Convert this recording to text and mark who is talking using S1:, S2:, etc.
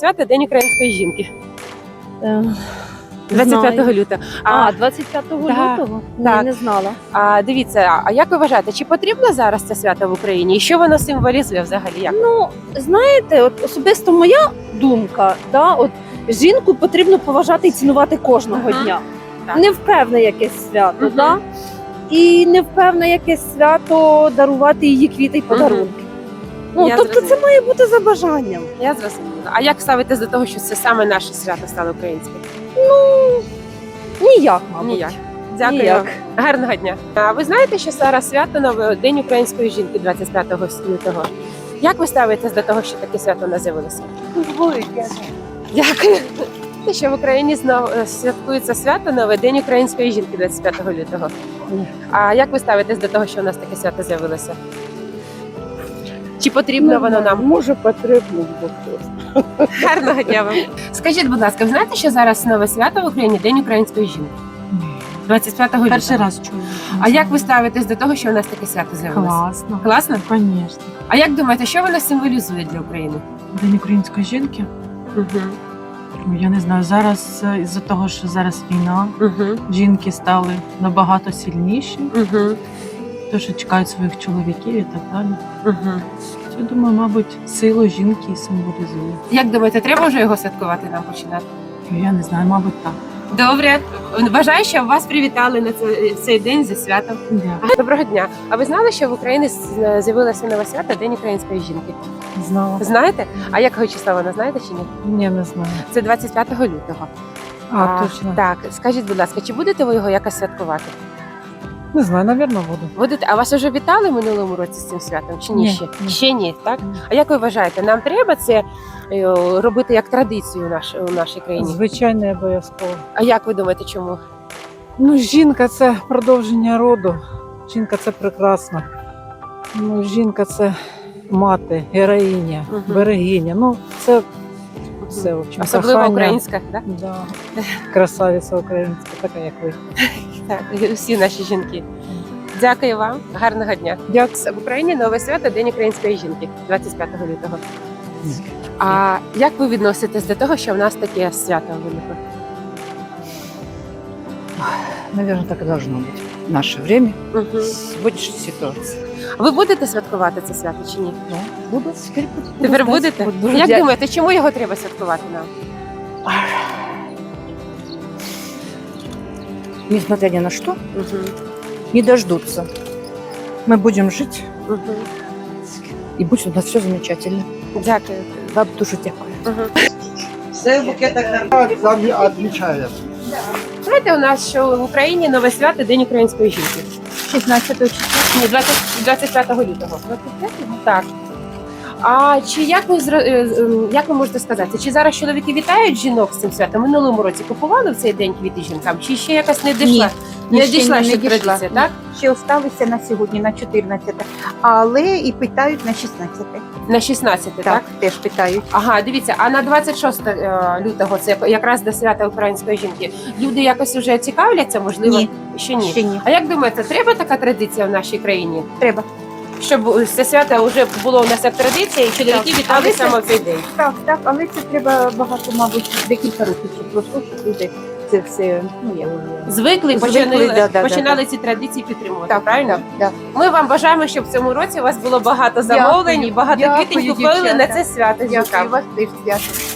S1: свято День української жінки.
S2: Е,
S1: 25
S2: знаю.
S1: лютого.
S2: 25
S1: Да,
S2: лютого?
S1: так.
S2: Ні, не знала.
S1: Дивіться, а як ви вважаєте, чи потрібно зараз це свято в Україні? І що воно символізує взагалі? Як?
S2: Ну, знаєте, от особисто моя думка, от жінку потрібно поважати і цінувати кожного
S1: Ага.
S2: дня.
S1: Так.
S2: Не в певне якесь свято,
S1: Мгм.
S2: і не в певне якесь свято дарувати її квіти і подарунки.
S1: Я
S2: Тобто
S1: зрозуміла.
S2: це має бути за бажанням.
S1: Я зрозуміла. А як ставитесь до того, що це саме наше свято стало українським?
S2: Ніяк, мабуть.
S1: Ніяк. Дякую.
S2: Ніяк.
S1: Гарного дня. А ви знаєте, що зараз свято нове День української жінки 25 лютого? Як ви ставитесь до того, що таке свято у нас з'явилося? Дякую. Те, що в Україні знову святкується свято нове День української жінки 25 лютого. А як ви ставитесь до того, що у нас таке свято з'явилося? Чи потрібно воно нам?
S2: Може, потрібно, бо хтось.
S1: Гарного дня вам. Скажіть, будь ласка, ви знаєте, що зараз нове свято в Україні День української жінки? 25 лютого.
S3: Перший раз чую.
S1: А як ви ставитесь до того, що у нас таке свято з'явилося?
S3: Класно.
S1: Класно?
S3: Звісно.
S1: А як думаєте, що воно символізує для України?
S3: День української жінки.
S1: Угу.
S3: Ну, я не знаю, зараз із-за того, що зараз війна,
S1: Угу.
S3: жінки стали набагато сильніші,
S1: Угу.
S3: то що чекають своїх чоловіків і так далі.
S1: Угу.
S3: Я думаю, мабуть, силу жінки і символізує.
S1: Як думаєте, треба вже його святкувати нам починати?
S3: Я не знаю, мабуть, так.
S1: Добре. Бажаю, щоб вас привітали на цей день зі святом.
S3: Дякую.
S1: Доброго дня. А ви знали, що в Україні з'явилося нове свято День української жінки?
S3: Знала.
S1: Знаєте? А якого числа вона знаєте чи ні?
S3: Ні, не знаю.
S1: Це 25 лютого.
S3: Точно.
S1: Так, скажіть, будь ласка, чи будете ви його якось святкувати?
S3: Не знаю, напевно, буду.
S1: Будете? А вас вже вітали в минулому році з цим святом? Чи ні?
S3: Ні,
S1: Ще?
S3: ні.
S1: Ще ні, так?
S3: Ні.
S1: А як ви вважаєте, нам треба це робити як традицію у нашій країні?
S4: Звичайно, обов'язково.
S1: А як ви думаєте, чому?
S4: Ну, жінка це продовження роду. Жінка це прекрасно. Ну, жінка це мати, героїня,
S1: Мгм.
S4: берегиня. Ну, це все, в общем,
S1: Особливо
S4: кохання.
S1: українська, так?
S4: Да. Красавиця українська, така як ви.
S1: Так, усі наші жінки. Дякую вам, гарного дня.
S4: Дякую.
S1: В Україні нове свято День української жінки 25 лютого. А як ви відноситесь до того, що в нас таке свято виникло?
S5: Наверное, так и должно быть в наше время,
S1: Угу.
S5: в сегодняшней ситуации.
S1: Ви будете святкувати це свято чи ні?
S5: Да, буду, теперь буду.
S1: Тепер
S5: ждать.
S1: будете?
S5: Буду
S1: Як
S5: ждать.
S1: думаєте, чому його треба святкувати нам?
S5: Несмотря ни на что,
S1: Угу.
S5: не дождутся. Мы будем жить,
S1: Угу.
S5: и будет у нас все замечательно.
S1: Дякую.
S5: Вам дуже дякую.
S1: Угу.
S6: Отмечаем.
S1: Знаєте, у нас що в Україні нове свято День української жінки.
S2: 16 числа.
S1: Ні, 25 лютого. Так. А чи як ви можете сказати, чи зараз чоловіки вітають жінок з цим святом? Минулому році купували в цей день квіти жінкам? Чи ще якось не дійшла? Не дійшла ще традиція, так?
S7: Ще осталися на сьогодні на 14, але і питають на 16.
S1: На 16, так?
S7: Так, теж питають.
S1: Ага, дивіться, а на 26 лютого, це якраз до свята української жінки, люди якось вже цікавляться, можливо?
S7: Ні.
S1: Ще ні.
S7: Ще ні.
S1: А як думаєте, треба така традиція в нашій країні?
S7: Треба.
S1: Щоб це свято вже було у нас як традиція, і чоловіки
S7: Так.
S1: вітали
S7: Але це-
S1: саме в цей день.
S7: Так, але це треба багато, мабуть, декілька років, щоб пройшло, щоб люди це все,
S1: Звикли,
S7: Звикли,
S1: починали ці традиції підтримувати,
S7: так,
S1: правильно?
S7: так.
S1: Ми вам бажаємо, щоб в цьому році у вас було багато замовлень і багато
S7: Дякую,
S1: квітень купили
S7: дівчата.
S1: на це свято.
S7: Дякую,
S1: жінкам.
S7: вас теж свято.